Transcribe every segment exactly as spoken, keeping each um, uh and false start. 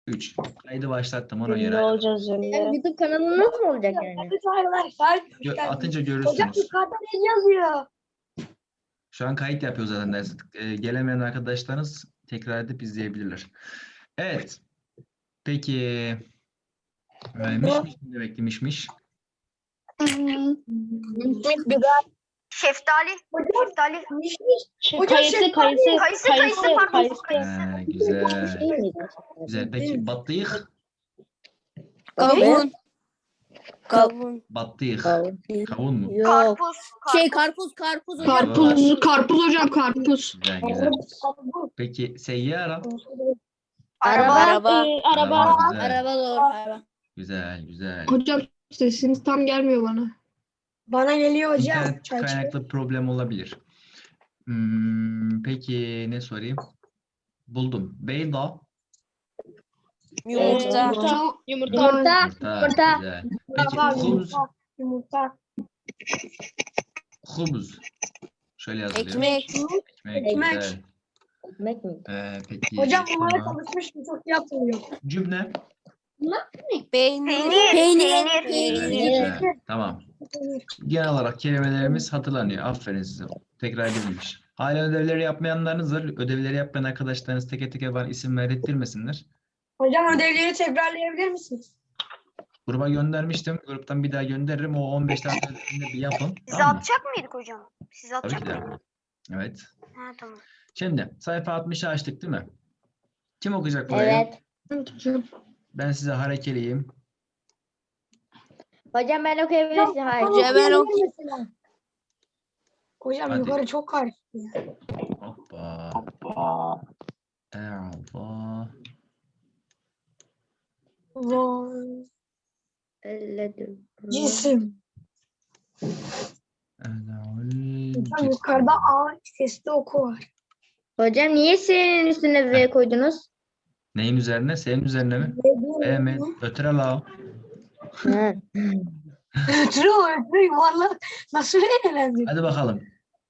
üç. Kaydı başlattım ona Ünlü göre. olacağız Yani ünlü. YouTube kanalınız mı olacak yani? Evet arkadaşlar. Gö- atınca Hocam görürsünüz. yukarıda ne yazıyor? Şu an kayıt yapıyor zaten ders. Ee, gelemeyen arkadaşlarınız tekrar edip izleyebilirler. Evet. Peki. Ee, mişmiş ne demekti mişmiş? Şeftali. Şeftali. Şey, Hocam kayısı, şey- kayısı, Kayısı, kayısı, kayısı, pardon. kayısı. Ee, güzel. Şey miydi? Güzel. Peki battıyık? Kavun. Kavun. Battıyık. Kavun. Kavun mu? Yok. Karpuz. Şey karpuz karpuz hocam. Karpuz, karpuz hocam karpuz. Güzel güzel. Peki seyyara? Araba. Araba. Ee, araba. Araba, güzel. Araba doğru. Araba. Güzel güzel. Hocam sesiniz tam gelmiyor bana. Bana geliyor hocam. İnternet kaynaklı problem olabilir. Hmm, peki ne sorayım? Buldum. Beyda. Yumurta. Hocam, Yumurta. Yumurta. Yumurta. Yumurta. Güzel. Peki Tamam, hubz. Yumurta. Hubz. Şöyle yazılıyor. Ekmek. Ekmek. Ekmek. Güzel. Ekmek mi? Ee, peki. Hocam bunlara sonra konuşmuştum çok yapmıyor. cümle. Peynir. Peynir. Güzel, Peynir. güzel. Tamam. Genel olarak kelimelerimiz hatırlanıyor. Aferin size. Tekrar edilmiş. Hala ödevleri yapmayanlarınız var. Ödevleri yapmayan arkadaşlarınız teke teke bana isim verdirtmesinler. Hocam ödevleri tekrarlayabilir misiniz? Gruba göndermiştim. Gruptan bir daha gönderirim. O on beş dakika ödevinde bir yapın. Siz Tamam mı? atacak mıydık hocam? Siz Tabii atacak ki de. mıydınız? Evet. Ha tamam. Şimdi sayfa altmışı açtık değil mi? Kim okuyacak burayı? Evet. evet hocam. Ben size harekeliyim. Hocam ben okuyabilirsin. Hayır. Hocam ben ok- Mesela. Hocam Hadi. yukarı çok karıştı. Hoppa. Allah. Vay. Elledim. Cisim. Hocam Cisim. yukarıda A sesli oku var. Hocam niye senin üstüne V koydunuz? Neyin üzerine? Senin üzerine mi? E mi? Ötüre la. Ha. Ötürü ötürü yuvarlak. Nasıl eğlendin? Hadi bakalım.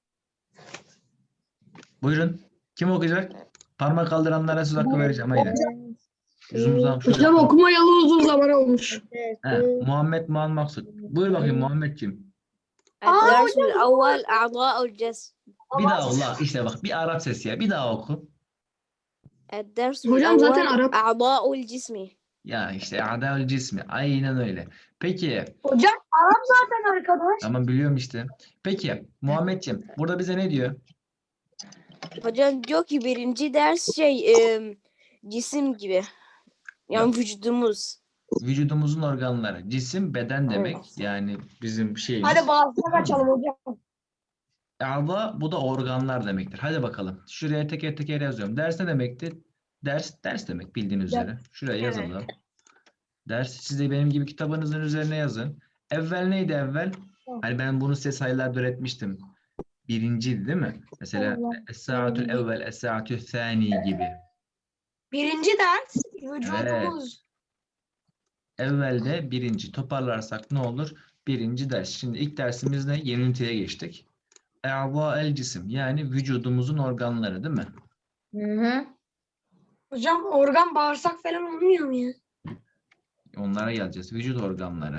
Buyurun. Kim okuyacak? Parmak kaldıranlara söz hakkı vereceğim. Haydi. Yüzümüzden şöyle. Hocam okumayalı uzun zaman olmuş. He, Muhammed Muhammed Maksut. Buyur bakayım Muhammedciğim. الدرس الأول أعضاء الجسم. Bir daha Allah işte bak bir Arap sesi ya. Bir daha oku. الدرس Hocam zaten الأول Arap. أعضاء الجسم. Ya işte adel cismi. Aynen öyle. Peki. Hocam Arap zaten arkadaş. Tamam biliyorum işte. Peki Muhammedciğim burada bize ne diyor? Hocam diyor ki birinci ders şey e, cisim gibi. Yani vücudumuz. Vücudumuzun organları. Cisim beden demek. Yani bizim şeyimiz. Hadi bazılarına kaçalım hocam. A'da bu da organlar demektir. Hadi bakalım. Şuraya teker teker yazıyorum. Ders ne demekti? Ders, ders demek bildiğiniz üzere. Şuraya Evet. yazalım. Ders siz de benim gibi kitabınızın üzerine yazın. Evvel neydi evvel? Hani ben bunu size sayılarda öğretmiştim. Birinciydi değil mi? Mesela es-sa'atul evvel, es-sa'atul thani gibi. Birinci ders vücudumuz. Evvelde birinci. Toparlarsak ne olur? Birinci ders. Şimdi ilk dersimiz ne? Yeni üniteye geçtik. E'za el cisim. Yani vücudumuzun organları değil mi? Hı hı. Hocam organ bağırsak falan olmuyor mu ya? Onlara geleceğiz. Vücut organları.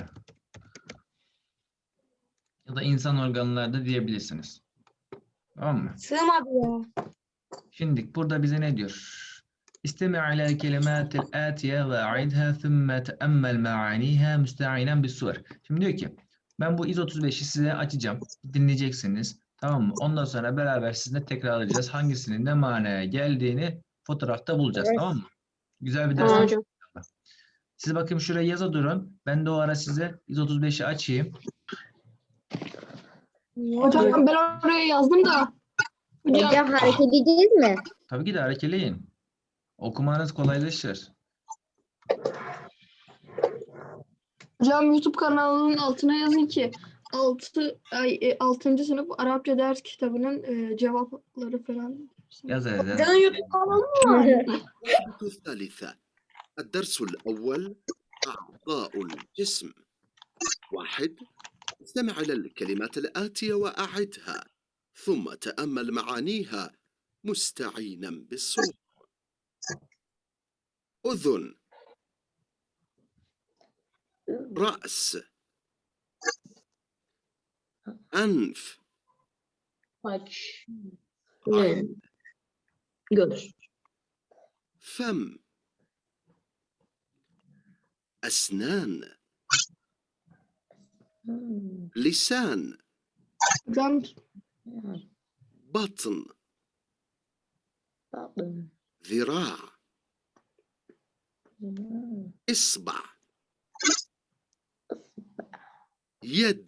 Ya da insan organları da diyebilirsiniz. Tamam mı? Sığmadı ya. Şimdi burada bize ne diyor? İstemi alel kelimatil atiye ve a'idha thumma teammel ma'aniha müste'inen bis suver. Şimdi diyor ki ben bu iz otuz beşi size açacağım. Dinleyeceksiniz. Tamam mı? Ondan sonra beraber sizinle tekrarlayacağız. Hangisinin ne manaya geldiğini fotoğrafta bulacağız. Evet. Tamam mı? Güzel bir ders. Tamam olacak. hocam. Siz bakayım şuraya yaza durun. Ben de o ara size iz otuz beşi açayım. Hocam ben oraya yazdım da. Hocam, Hocam hareket edeceğiz mi? Tabii ki de harekeleyin. Okumanız kolaylaşır. hocam YouTube kanalının altına yazın ki altı ay e, altıncı sınıf Arapça ders kitabının e, cevapları falan. Yaz yaz. Canın YouTube kanalı mı var? الوحدة الثالثة الدرس الأول أعضاء الجسم واحد استمع إلى الكلمات الآتية وأعدها ثم تأمل معانيها مستعينا بالصوت أذن رأس أنف Saç. Ne? Göz. فم أسنان لسان Hocam بطن ذراع إصبع يد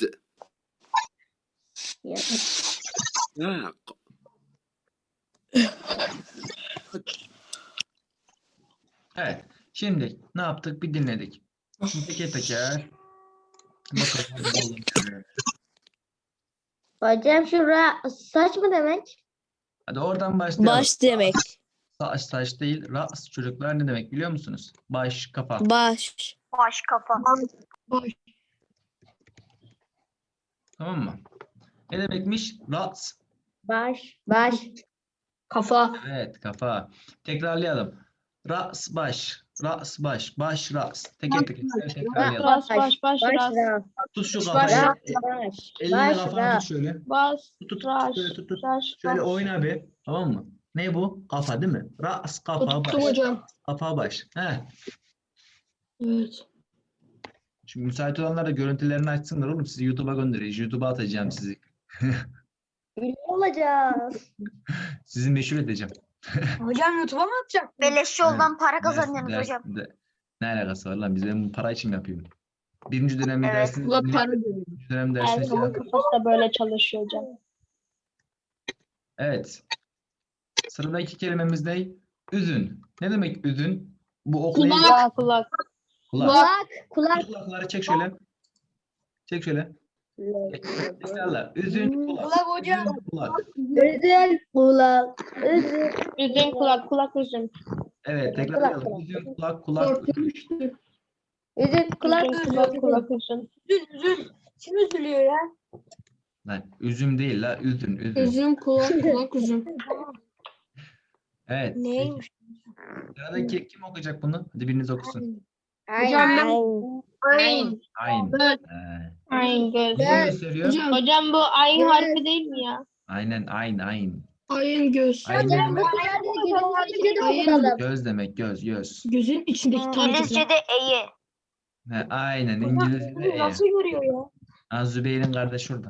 ساق Evet. Şimdi ne yaptık? Bir dinledik. Şimdi teker teker bakalım. bulalım şöyle. Hocam şura saç mı demek? Hadi oradan başlayalım. Baş demek. Saç saç değil. Ras çocuklar ne demek biliyor musunuz? Baş, kafa. Baş. Baş kafa. baş. Tamam mı? Ne demekmiş? Ras. Baş. Baş. Kafa. Evet, kafa. Tekrarlayalım. Ras, baş. Ras, baş. Baş, ras. Teker teker tekrarlayalım. Baş. baş, baş, Baş. ras. Ras. Tut şu baş, kafayı. Baş. E, Baş. Elinle Baş. kafanı Ras. tut şöyle. Bas, Tut, tut, raş, şöyle tut, tut. raş, Şöyle raş. oyna bir. Tamam mı? Ne bu? Kafa değil mi? Ras, kafa, Tuttum baş. hocam. Kafa, baş. He. Evet. Şimdi müsait olanlar da görüntülerini açsınlar oğlum. Sizi YouTube'a göndereceğiz. YouTube'a atacağım sizi. Ünlü olacağız. Sizi meşhur edeceğim. Hocam YouTube'a mı atacak? Beleş yoldan para Ders- kazanıyorsunuz ders- hocam. de- ne alakası var lan? Biz ben bu para için mi yapıyorum? Birinci dönemde Evet. dersiniz. Ula para diyor. Birinci dönem dersiniz. Erkan'ın kafası da böyle çalışıyor hocam. Evet. Sıradaki kelimemiz ne? Üzün. Ne demek üzün? Bu oklayın. Kulak, kulak. Kulak. Kulak. Kulak. Şu kulakları çek şöyle. Çek şöyle. Tekrarla. Üzün kulak. Kulak hocam. Üzün kulak. Üzül. Kulak. Üzül. Üzüm, kulak, kulak üzüm. Evet, tekrarlayalım. Üzün kulak kulak. Korkmuştu. Üzül. Kulak. Üzüm, kulak, kulak üzüm. Üzül üzül. Kim üzülüyor ya? Lan, üzüm değil la, üzün, üzün. Üzüm, kulak, kulak, üzüm. Evet. Neymiş? Sıradaki kim okuyacak bunu? Hadi biriniz okusun. Hocam ben Aynen. Ayn. Evet. Ee, Ayın göz. ne gösteriyor? Hocam Hocam bu ayın harfi değil mi ya? Aynen, ayn, ayn. ayın göz. Ayn ne demek? Aynen. Göz demek, göz, göz. Gözün içindeki tanecikler. İngilizce'de eyi. He, aynen, İngilizce'de e. Nasıl görüyor ya? Ha, Zübeyir'in kardeşi şurada.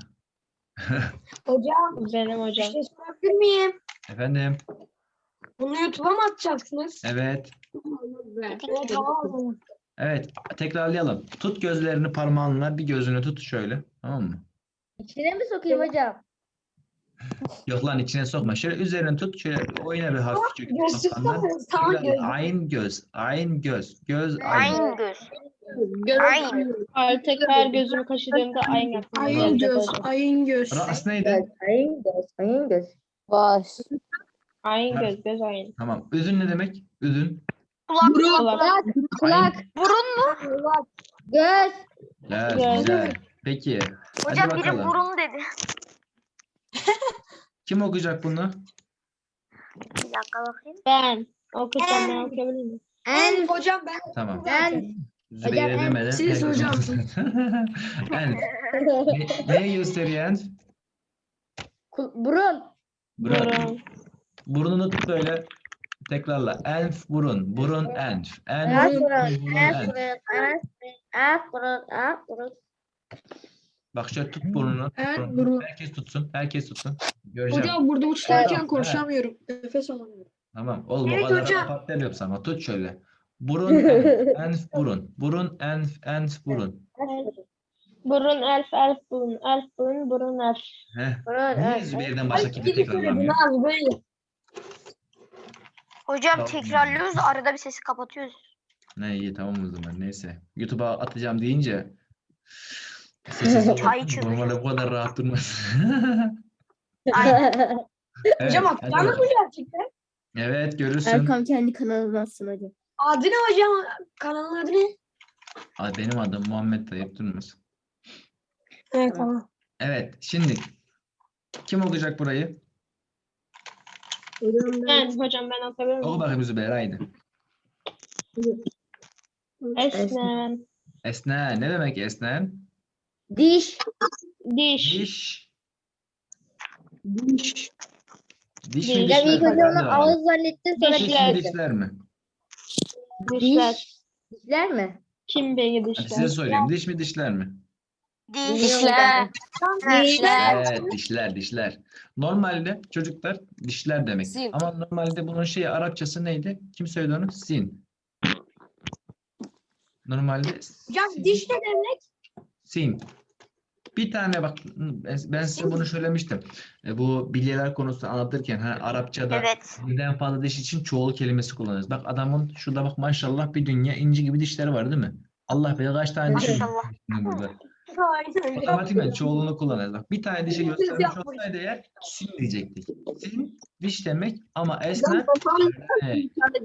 Hocam Benim bir hocam. şey sorabilir miyim? Efendim? Bunu YouTube'a mı atacaksınız? Evet. Evet, tamam o zaman. Evet, tekrarlayalım. Tut gözlerini parmağınla, bir gözünü tut şöyle. Tamam mı? İçine mi sokayım hocam? Yok lan, içine sokma. Şöyle üzerine tut, şöyle oyna bir hafifçe. Göz kafandan. tutsanız tamam göz. Tekrarla. Ayn göz, ayn göz, göz ayn. Aynı göz. Göz. Aynı. Ay, tekrar gözümü kaşıdığımda ayın aklıma Ayın gelecek göz. hocam. Ayın göz. Ras neydi? Ayın göz. Ayın göz. Baş. Ayın göz, göz ayın. Tamam. Üzün ne demek? Üzün. Kulak. Burun. Kulak. Kulak. Burun mu? Göz. Güzel, Göz. güzel. Peki. Hocam Hadi biri bakalım. burun dedi. Kim okuyacak bunu? Bir dakika bakayım. Ben. Okuyacağım, ben okuyabilir miyim? En. Hocam ben Tamam. En. Zübeyir'e en- demeden. siz herkes hocam. okusun. En. Ne, neyi gösteriyor en? Kul- Burun. Burun. Burun. Burnunu tut böyle. Tekrarla. Enf burun. Burun enf. Ak Enf burun. burun Ak enf. burun. Ak Ak burun. Ak burun. Bak şöyle tut burnunu. Tut En burnunu. burun. Herkes tutsun. Herkes tutsun. Göreceğim. Hocam burada uçlarken Evet. konuşamıyorum. Nefes alamıyorum. Tamam. Oğlum Evet o kadar hocam. kapat demiyorum sana. Tut şöyle. Burun enf. Enf burun. Burun enf. Enf burun. Burun, elf, elf, burun. Elf, burun, burun, elf. Heh. Burun. Niye Evet. Zübeyir'den başka kimse gibi söyledin tekrarlamıyor? abi böyle. Hocam Tamam. tekrarlıyoruz arada bir sesi kapatıyoruz. Ne iyi tamam o zaman neyse. YouTube'a atacağım deyince sessiz Çay olun. içiyoruz. Normalde bu kadar rahat durmaz. Aynen. Evet, Hocam hadi atacağım mı bakalım. gerçekten? Evet görürsün. Erkan kendi kanalına atsın hocam. Adı ne hocam? Kanalın adı ne? Aa, benim adım Muhammed Tayyip Durmaz. Evet tamam. Evet şimdi kim okuyacak burayı? Ben, hocam ben okuyabilir Oku miyim? bakayım Zübeyir haydi. Esnen. Esnen. Ne demek esnen? Diş. Diş. Diş. Diş. Diş mi Diş. Ya dişler ilk mi? önce Hadi onu bakalım. ağız zannettin sonra Diş mi Dişler. dişler mi? Dişler. diş. Dişler mi? Kim beni Hadi size dişler? sorayım. Diş mi dişler mi? Diş. Dişler. Dişler. Evet, dişler, dişler. Normalde çocuklar dişler demek. Sin. Ama normalde bunun şeyi Arapçası neydi? Kim söyledi onu? Sin. Normalde Hocam sin. diş ne demek? Sin. Bir tane bak ben size bunu söylemiştim. E, bu bilyeler konusunu anlatırken ha, Arapçada Evet. birden fazla diş için çoğul kelimesi kullanırız. Bak adamın şurada bak maşallah bir dünya inci gibi dişleri var değil mi? Allah bilir kaç tane dişi var Maşallah. burada. Aynen. Otomatikman çoğulunu kullanırız. Bak bir tane dişi göstermiş yapmış. olsaydı eğer sin diyecektik. Sin diş demek ama esne ne?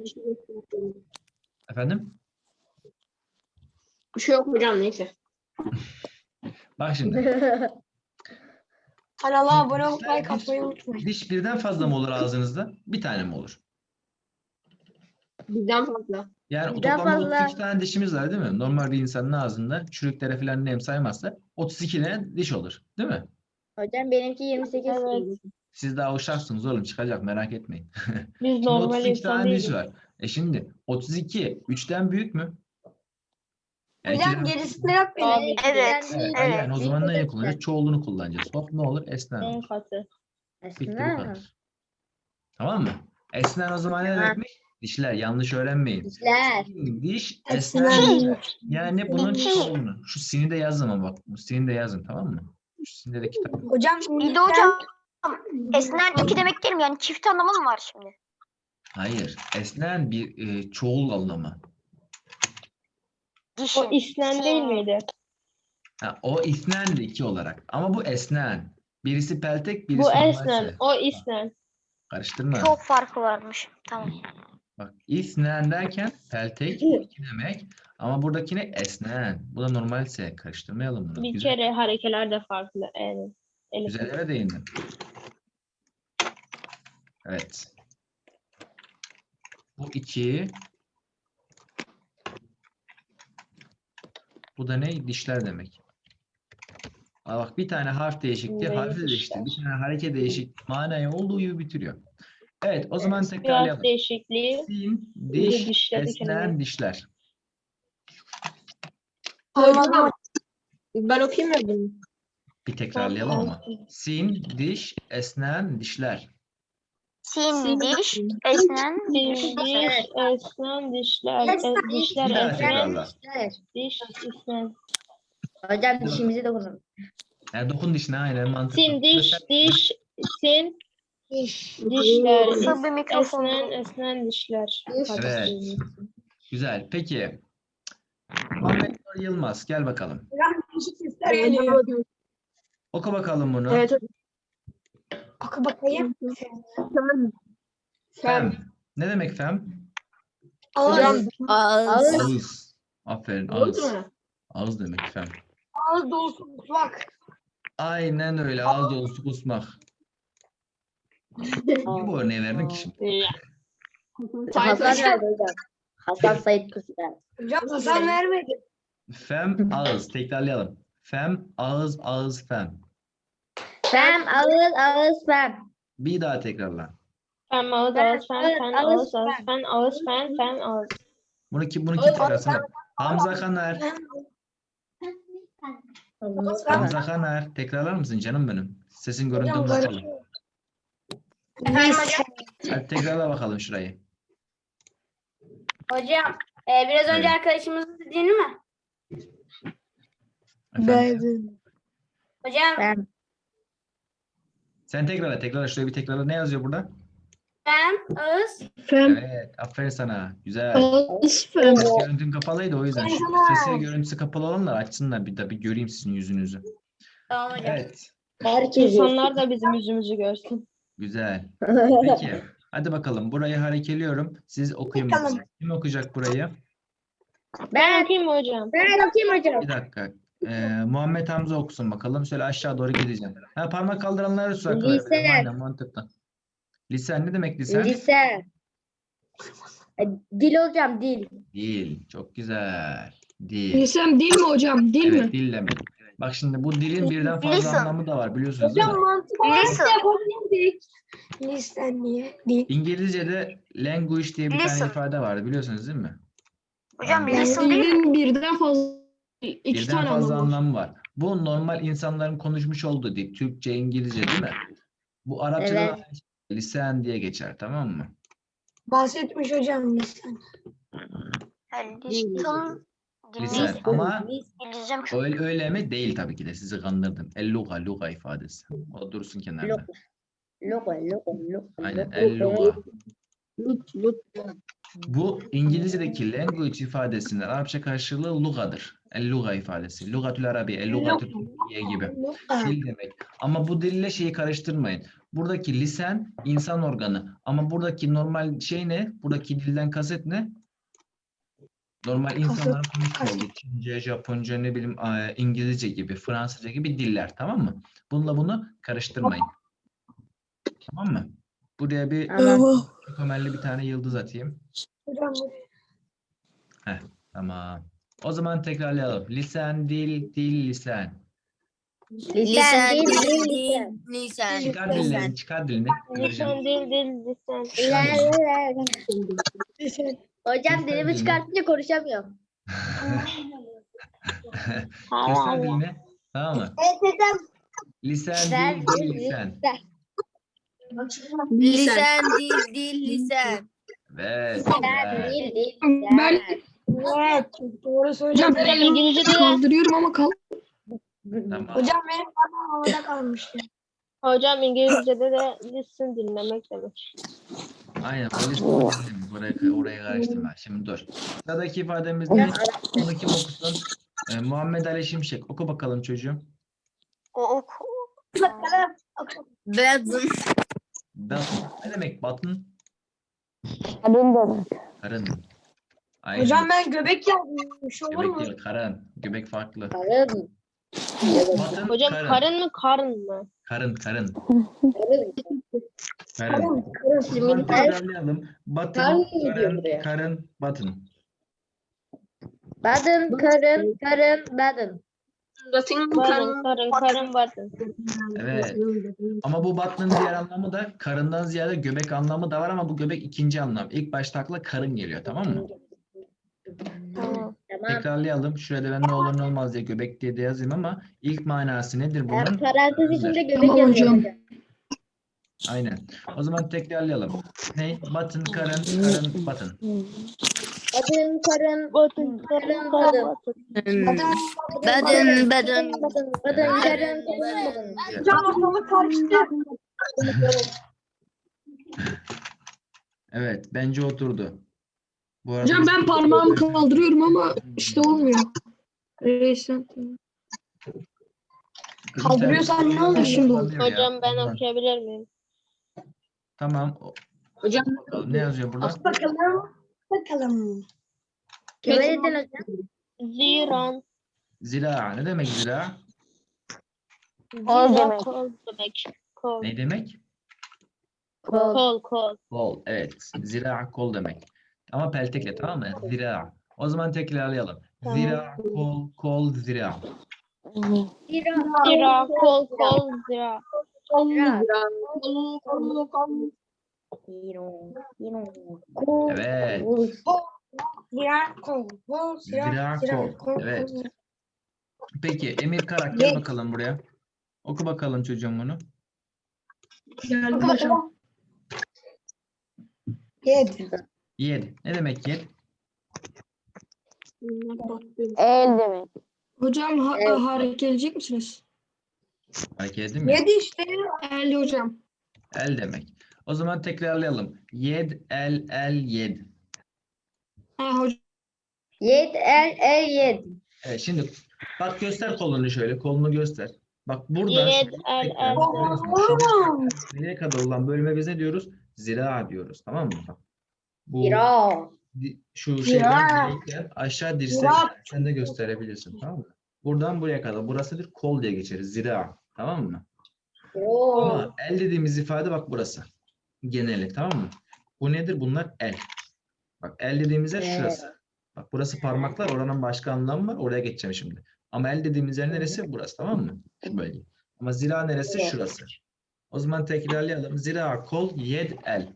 Efendim? Bir şey yok hocam neyse. Bak şimdi. Kanala abone olup Dişler, like atmayı unutmayın. Diş birden fazla mı olur ağzınızda? Bir tane mi olur? Bizden fazla. Yani Birden toplamda fazla. otuz iki tane dişimiz var değil mi? Normal bir insanın ağzında çürüklere falan nem saymazsa otuz iki tane diş olur. Değil mi? Hocam benimki yirmi sekiz. Evet. Siz daha uşaksınız oğlum çıkacak merak etmeyin. Biz Şimdi normal otuz iki insan tane diş değiliz. var. E şimdi otuz iki üçten büyük mü? Yani Hocam ikiden- gerisinde yok benim. Abi. Evet. Evet, Evet. yani o zaman neyi kullanacağız? Çoğulunu kullanacağız. Hop ne olur? Esnen On olur. katı. Bitti bu Esna. kadar. Tamam mı? Esnen o zaman ne Tamam. demekmiş? Dişler yanlış öğrenmeyin. Dişler. Diş, Esnen. esnen dişler. Yani bunun Diş. çoğulunu. Şu sini de yazın ama bak. Bu sini de yazın tamam mı? Şu sini de kitap. Hocam İyi de hocam. Esnen iki demek değil mi? Yani çift anlamı mı var şimdi? Hayır. Esnen bir e, çoğul anlamı. Dişin. O islen değil miydi? Ha, o isnendi iki olarak. Ama bu esnen. Birisi peltek, birisi Bu normalse. esnen. O islen. Karıştırma. Çok farkı varmış. Tamam. Bak isnen derken peltek iki demek. Ama buradakine esnen. Bu da normalse. Karıştırmayalım bunu. Bir Güzel, kere harekeler de farklı. Evet. Elif. güzel yere değindin. Evet. Bu iki. Bu da ne? Dişler demek. Aa, bak bir tane harf değişikliği, Şimdi harfi de değişti. Bir dişler. tane hareket değişik manayı olduğu gibi bitiriyor. Evet, o zaman Biraz tekrarlayalım. değişikliği. Sin, Bir de diş, dişleri esnen, kelime. dişler. Hocam. Ben okuyayım mı bunu? Bir tekrarlayalım ama. Sin, diş, esnen, dişler. Sin, diş, esnen, Diş, diş, esnen, dişler. E, dişler, Bir daha esnen, tekrarla. Dişler. diş, isnen. Hocam dişimizi de kullan. Yani dokun dişine aynen mantıklı. Sin, diş, Mesela- diş, sin, dişler, Nasıl bir es- mikrofon esnen, bu? esnen, dişler. Evet. Güzel. Peki. Muhammed Nur Yılmaz. Gel bakalım. hocam değişik sesler geliyor. Oku bakalım bunu. Evet hocam. Oku bakayım. Tamam. Fem. Ne demek fem? Hocam. Ağız, Ağız. Ağız. Aferin Oldu ağız. mu? Ağız demek fem. ağız dolusu mutfak. Aynen öyle. Ağız dolusu kusmak. Niye bu örneği verdin ki şimdi? Ya. Hasan nerede hocam? Hasan Said Kuşlar. Hocam Hasan vermedi. Fem ağız. Tekrarlayalım. Fem ağız ağız fem. Fem, ağız, ağız, fem. Bir daha tekrarla. Fen, ağız, Ben- ağız, fen, evet, fen, ağız, ağız, ağız, fen. fen, ağız, fen, fen, ağız. Bunu ki bunu kim tekrarlasana? Hamza Kanar. Hamza Kanar. Tekrarlar mısın canım benim? Sesin görüntün Hocam bakalım. karışıyor. Efendim hocam. Hadi tekrarla bakalım şurayı. Hocam, e, biraz önce Evet. arkadaşımızın dediğini mi? Efendim? Hocam. Fem. Sen tekrarla tekrarla şuraya bir tekrarla. Ne yazıyor burada? Fem, ağız. Fem. Evet. Aferin sana. Güzel. Ağız fem. Ses görüntün kapalıydı o yüzden. Şu sesi görüntüsü kapalı olanlar açsınlar bir de bir göreyim sizin yüzünüzü. Tamam hocam. Evet. Herkes. İnsanlar da bizim yüzümüzü görsün. Güzel. Peki. Hadi bakalım. Burayı harekeliyorum. Siz okuyun Bakalım. bakalım. Kim okuyacak burayı? Ben Ben, okuyayım mı hocam? ben okuyayım hocam. Bir dakika. Ee, Muhammed Hamza okusun bakalım. Şöyle aşağı doğru gideceğim. Ha, parmak kaldıranları su Lisan. Aynen mantıklı. Lisan ne demek lisan? Lise. E, dil hocam, dil. Değil. Çok güzel. Dil. Lisan dil mi hocam? Dil Evet, mi? dil demek. Bak şimdi bu dilin birden fazla Listen. anlamı da var biliyorsunuz değil mi? Hocam mantık olarak Listen. da yapabilirdik. Listen diye. Değil. İngilizce'de language diye bir tane Listen. ifade vardı biliyorsunuz değil mi? Hocam Yani listen değil mi? Dilin birden fazla iki birden tane fazla anlamı var. anlamı var. Bu normal insanların konuşmuş olduğu dil. Türkçe, İngilizce değil mi? Bu Arapçada da Evet. aynı şey, lisan diye geçer tamam mı? Bahsetmiş hocam listen. Yani listen. Lisan Dinleyin. ama İngilizcem çok. öyle, öyle mi? Değil tabii ki de sizi kandırdım. El-luga, luga ifadesi. O dursun kenarda. Luga. Luga, luga, luga. Aynen el-luga. Lut, lut. Bu İngilizce'deki language ifadesinin Arapça karşılığı lugadır. El-luga ifadesi. Lugatül Arabi, el-lugatül Türkiye gibi. Dil demek. Ama bu dille şeyi karıştırmayın. Buradaki lisan insan organı. Ama buradaki normal şey ne? Buradaki dilden kasıt ne? Normal insanların konuştuğu olduğu Çince, Japonca, ne bileyim eee, İngilizce gibi, Fransızca gibi diller. Tamam mı? Bununla bunu karıştırmayın. Tamam mı? Buraya bir Tamam. kömelli bir tane yıldız atayım. Hocam Tamam. O zaman tekrarlayalım. Lisan, dil, dil, lisan. Lisan dil, dil, lisan. Lisan. Çıkar dilini, çıkar dilini. Göreceğim. Lisan dil dil lisan. Çıkar dilini. listen. Hocam dilimi dilini. çıkartınca konuşamıyorum. Göster dilini. Tamam mı? Evet hocam. Lisan, Lisan, dil, dil, dil, lisan. Lisan, dil, dil, lisan. Evet. Lisan güzel. dil, dil, Ben Evet. Doğru hocam söylüyorsun. ben İngilizce'de de kaldırıyorum ama kal. Tamam. Hocam benim parmağım havada kalmıştı. hocam İngilizce'de de listen dinlemek demek. Aynen. O lisan demek. Oraya, oraya karıştırma. Şimdi dur. Sıradaki ifademiz ne? Onu kim okusun? Ee, Muhammed Ali Şimşek. Oku bakalım çocuğum. O ok. Bedun. Batın. Ne demek batın? Karın demek. Karın. Aynen. Hocam ben göbek yazmış olur Göbek mu? değil, karın. Göbek farklı. Karın. Batın, Hocam karın. karın mı karın mı? Karın, karın. Karın. Karın. Karın. O zaman tekrarlayalım. Batın, Karın diyor karın, buraya. karın, batın. Badın, karın, karın, badın. Karın karın karın batın. Evet. Ama bu batının diğer anlamı da karından ziyade göbek anlamı da var ama bu göbek ikinci anlam. İlk başta akla karın geliyor tamam mı? Tamam. Tamam. Tekrarlayalım. Şurada ben ne olur ne olmaz diye göbek diye de yazayım ama ilk manası nedir bunun? Yani parantez içinde göbek Tamam yazıyor hocam. hocam. Aynen. O zaman tekrarlayalım. Ne? Batın, karın, karın, batın. Badın, karın, Batın karın, karın badın. batın. Bedun, bedun. Badın, badın, karın, karın, badın. Hocam ortalık karıştı. Evet. Bence oturdu. Bu arada Hocam biz- ben parmağımı kaldırıyorum ama işte olmuyor. Lisan. Kızım Kaldırıyorsan sen- ne oluyor? Şimdi oldu. Kaldırıyor ya. Hocam ben Ondan. okuyabilir miyim? Tamam. O- Hocam. Bakalım ne yazıyor burada? Bakalım. Bakalım. Kime dedin hocam? Ziran. Zira. Ne demek zira? Kol demek. Kol demek. Kol. Ne demek? Kol. Kol kol. Kol. Evet. Zira kol demek. Ama peltekle tamam mı? Zira. O zaman tekrarlayalım. Tamam. Zira, kol, kol, zira. Zira. Zira kol kol zira. Zira. Evet. Zira kol. Kol. Zira, Zira kol. Evet. Peki Emir Karak gel Yes. bakalım buraya. Oku bakalım çocuğum bunu. Geldim hocam. Yed. Yed. Ne demek yed? El demek. Hocam ha Evet. hareket edecek misiniz? Hareket edeyim mi? Yed işte. El hocam. El demek. O zaman tekrarlayalım. Yed, el, el, yed. Ha hocam. Yed, el, el, yed. Evet şimdi bak göster kolunu şöyle. Kolunu göster. Bak buradan Yed, şu el, yüksekten, el. görüyorsun, Oğlum. şu nereye kadar olan bölüme biz ne diyoruz? Zira diyoruz. Tamam mı? Bak. Bu Zira. di- şu Zira. şeyden direkten aşağı dirsek Zira. sen de gösterebilirsin. Tamam mı? Buradan buraya kadar. Burası bir kol diye geçeriz. Zira. Tamam mı? Zira. Ama el dediğimiz ifade bak burası. Geneli. Tamam mı? Bu nedir? Bunlar el. Bak el dediğimiz yer Evet. şurası. Bak burası parmaklar, oranın başka anlamı var. Oraya geçeceğim şimdi. Ama el dediğimiz yer neresi? Burası, tamam mı? Şu bölge. Ama zira neresi? Evet. Şurası. O zaman tekrarlayalım. Zira, kol, yed, el.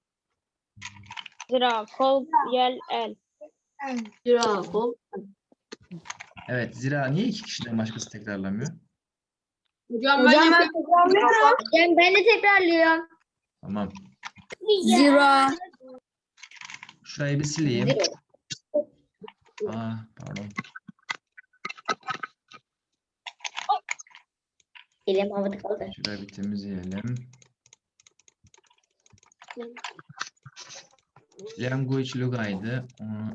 Zira, kol, yel, el. Zira, kol. Evet, zira niye iki kişiden başkası tekrarlamıyor? Hocam, Hocam ben ben yapıyorum. tekrarlıyorum. Hocam ben de tekrarlıyorum. Tamam. Zira. Şurayı bir sileyim. Zira. Aa, pardon. Elim havada kaldı. Şurayı bir temizleyelim. Language lugaydı. Onu...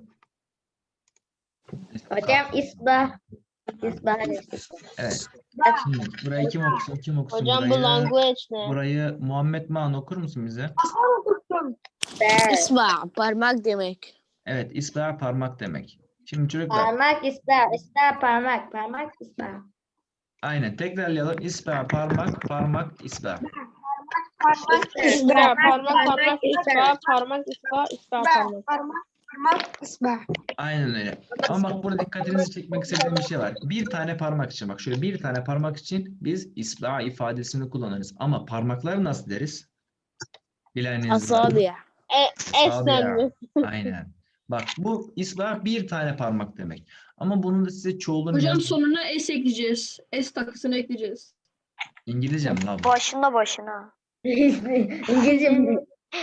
Hocam isbah. İsbah. Evet. Şimdi burayı kim okusun? Kim okusun Hocam bu burayı? language ne? Burayı Muhammed Man okur musun bize? Ben. İsba parmak demek. Evet, isbah parmak demek. Şimdi çocuklar, Parmak isbah. İsbah parmak. Parmak isbah. aynen tekrarlayalım. İsbah parmak, parmak isbah. Zira, parmak, parmak, ispa, parmak, ispa, ispa, parmak. Parmak, parmak, isbah. Aynen öyle. Ama bak burada dikkatinizi çekmek istediğim bir şey var. Bir tane parmak için, bak şöyle bir tane parmak için biz isbah ifadesini kullanırız. Ama parmakları nasıl deriz? Bileniniz var mı? Asabi. E, esnenme. Aynen. Bak bu isbah bir tane parmak demek. Ama bunun da size çoğulunu Hocam yaz- sonuna S ekleyeceğiz. S takısını ekleyeceğiz. İngilizce mi lan bu? Başında başına. İngilizce mi?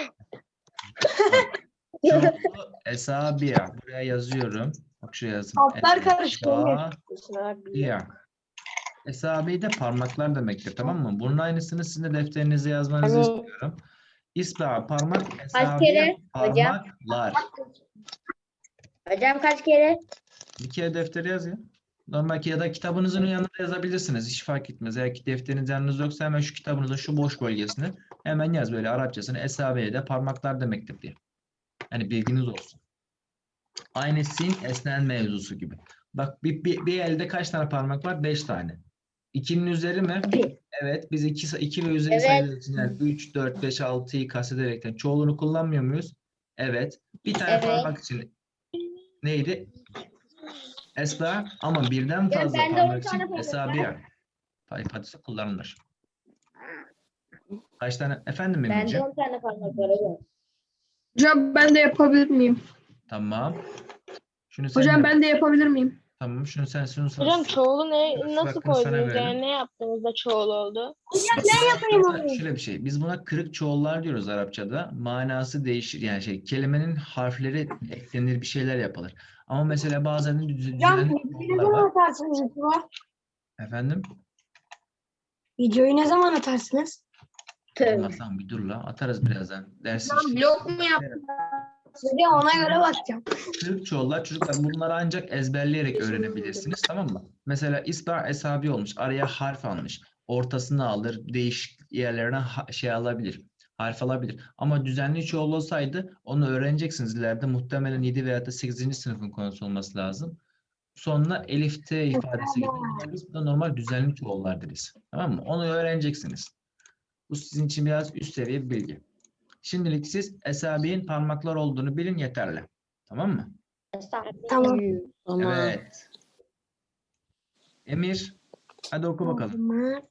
Çoğulu esabiya. Buraya yazıyorum. Bak şuraya yazın. Altlar karıştı. Esabiya. Esabi de parmaklar demektir, tamam mı? Bunun aynısını sizin de defterinize yazmanızı Evet. istiyorum. İsbah parmak, kere esabiye hocam? parmaklar. Hocam kaç kere? Bir kere deftere yaz ya. Normal ki ya da kitabınızın yanında yazabilirsiniz. Hiç fark etmez. Eğer ki defteriniz yanınızda yoksa hemen şu kitabınızın şu boş bölgesine hemen yaz böyle Arapçasını. Esabiye de parmaklar demektir diye. Yani bilginiz olsun. Aynı sin esnen mevzusu gibi. Bak bir, bir, bir elde kaç tane parmak var? Beş tane. İkinin üzeri mi? Bir. Evet. Biz iki, iki ve üzeri Evet. sayılar için yani üç, dört, beş, altıyı kastederekten çoğulunu kullanmıyor muyuz? Evet. Bir tane Evet. parmak için neydi? Esba, ama birden Ya fazla bende on parmak tane için parmak esabiya ifadesi kullanılır. Kaç tane? Efendim Bende Emirciğim? on tane parmak var hocam. Hocam ben de yapabilir miyim? Tamam. Şunu sen Hocam yap. ben de yapabilir miyim? Tamam. Şunu sen şunu sen. Hocam çoğulu ne, nasıl Bakın sana koydunuz? verelim. Yani ne yaptığınızda çoğul oldu? Aslında şöyle bir şey. Biz buna kırık çoğullar diyoruz Arapçada. Manası değişir. Yani şey kelimenin harfleri eklenir, bir şeyler yapılır. Ama mesela bazen de düz- Hocam düzenli videoyu ne çoğullar zaman var. atarsınız YouTube'a? Efendim? Videoyu ne zaman atarsınız? Tövbe. Allah'tan bir dur la. Atarız birazdan. Ders Hocam işte. blok mu yap? Size ona göre bakacağım. Kırık çoğullar çocuklar bunları ancak ezberleyerek öğrenebilirsiniz, tamam mı? Mesela isba esabi olmuş. Araya harf almış. Ortasını alır. Değişik yerlerine ha- şey alabilir. Harf alabilir. Ama düzenli çoğul olsaydı onu öğreneceksiniz ileride. Muhtemelen yedi veya da sekizinci sınıfın konusu olması lazım. Sonuna elif t ifadesi gelir. Biz de normal düzenli çoğullar deriz. Tamam mı? Onu öğreneceksiniz. Bu sizin için biraz üst seviye bir bilgi. Şimdilik siz esabiğin parmaklar olduğunu bilin yeterli. Tamam mı? Tamam. Tamam. Evet. Emir, hadi oku bakalım. Parmak.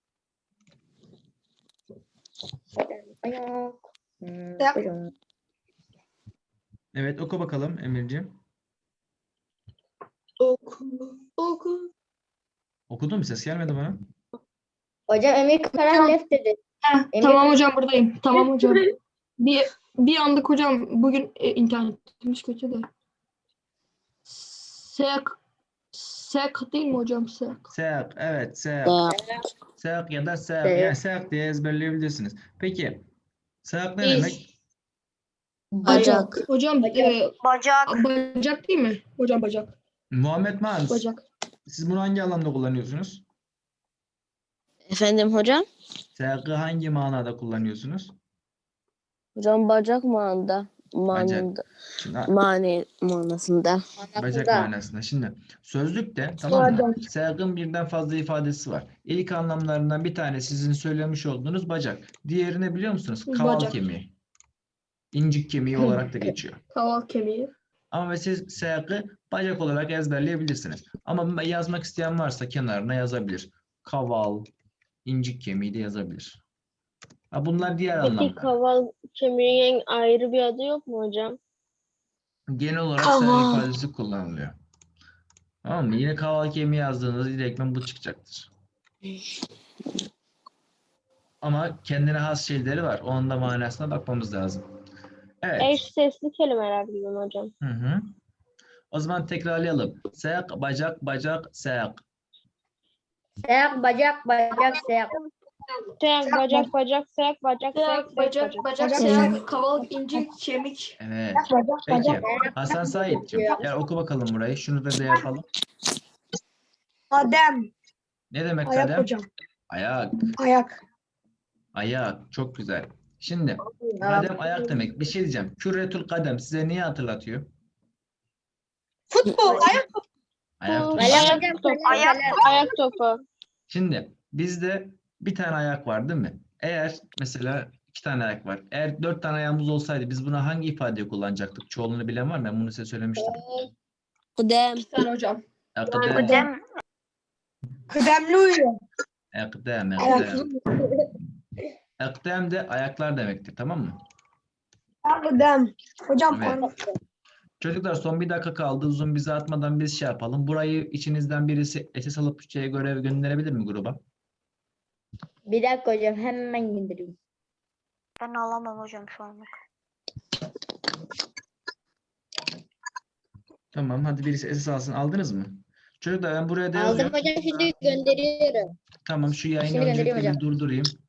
Ayak. Hmm, Ya. buyurun. Evet, oku bakalım Emirciğim. Oku. Oku. Okudun mu? Ses gelmedi bana. Hocam Emir Karan left dedi. Heh, Emir- tamam hocam buradayım. Tamam hocam. Bir, bir anlık hocam bugün e, internetimiz kötü de. Sek Sek değil mi hocam? Sek. Sek, evet, sek. Da. Sek ya da sek. Sek. Yani sek diye ezberleyebilirsiniz. Peki, sek ne İz. demek? Bacak. Hocam e, Bacak. bacak değil mi? Hocam bacak. Muhammed Mans, Bacak. siz bunu hangi anlamda kullanıyorsunuz? Efendim hocam? Sek'i hangi manada kullanıyorsunuz? Hocam bacak manada. Manada. Şimdi, ha, Mani manasında. bacak Anasında. manasında. Şimdi sözlükte tamam mı? Sek'in birden fazla ifadesi var. İlk anlamlarından bir tane sizin söylemiş olduğunuz bacak. Diğeri ne biliyor musunuz? Kaval Bacak. kemiği. İncik kemiği olarak da geçiyor. Kaval kemiği. Ama siz seyakı bacak olarak ezberleyebilirsiniz. Ama yazmak isteyen varsa kenarına yazabilir. Kaval, incik kemiği de yazabilir. Ha, bunlar diğer Peki anlamda. kaval kemiğinin ayrı bir adı yok mu hocam? Genel olarak Kaval. seyak ifadesi kullanılıyor. Tamam mı? Yine kaval kemiği yazdığınızda direktmen bu çıkacaktır. Ama kendine has şeyleri var. Onun da manasına bakmamız lazım. Evet. Eş sesli kelimeler gibi mi hocam? Hı hı. O zaman tekrarlayalım. Seyak, bacak, bacak, seyak. Seyak bacak bacak seyak. Sayak, bacak, bacak, sayak, bacak, sayak, Sayak, sayak, bacak, bacak. bacak, sayak, kaval, incik, kemik. Evet. Peki. Hasan Said'cim gel oku bakalım burayı. Şunu da de yapalım. Kadem. Ne demek Ayak kadem? hocam. Ayak. Ayak. Ayak. Çok güzel. Şimdi kadem ayak demek. Bir şey diyeceğim. Kürretül kadem size niye hatırlatıyor? Futbol. Ayak. Ayak topu. Ayak Hocam, topu. Ayak Ayak topu. Şimdi bizde bir tane ayak var değil mi? Eğer mesela iki tane ayak var. Eğer dört tane ayağımız olsaydı biz buna hangi ifadeyi kullanacaktık? Çoğulunu bilen var mı? Ben bunu size söylemiştim. Kudem. Sen hocam. Akdem. Kudem. Kıdemli uyuyor. Akdem. Ayak. Akdem. Akdem de ayaklar demektir. Tamam mı? Kıdem. Hocam Evet. pardon. Çocuklar son bir dakika kaldı. Uzun bize atmadan biz şey yapalım. Burayı içinizden birisi esas alıp Türkçe'ye görev gönderebilir mi gruba? Bir dakika hocam hemen indireyim. Ben alamam hocam şu anlık. Tamam hadi birisi esas alsın. Aldınız mı? Çocuklar ben buraya da Aldım yazıyorum. hocam şimdi gönderiyorum. Tamam şu yayını Şimdi gönderiyorum öncelikle bir hocam. durdurayım.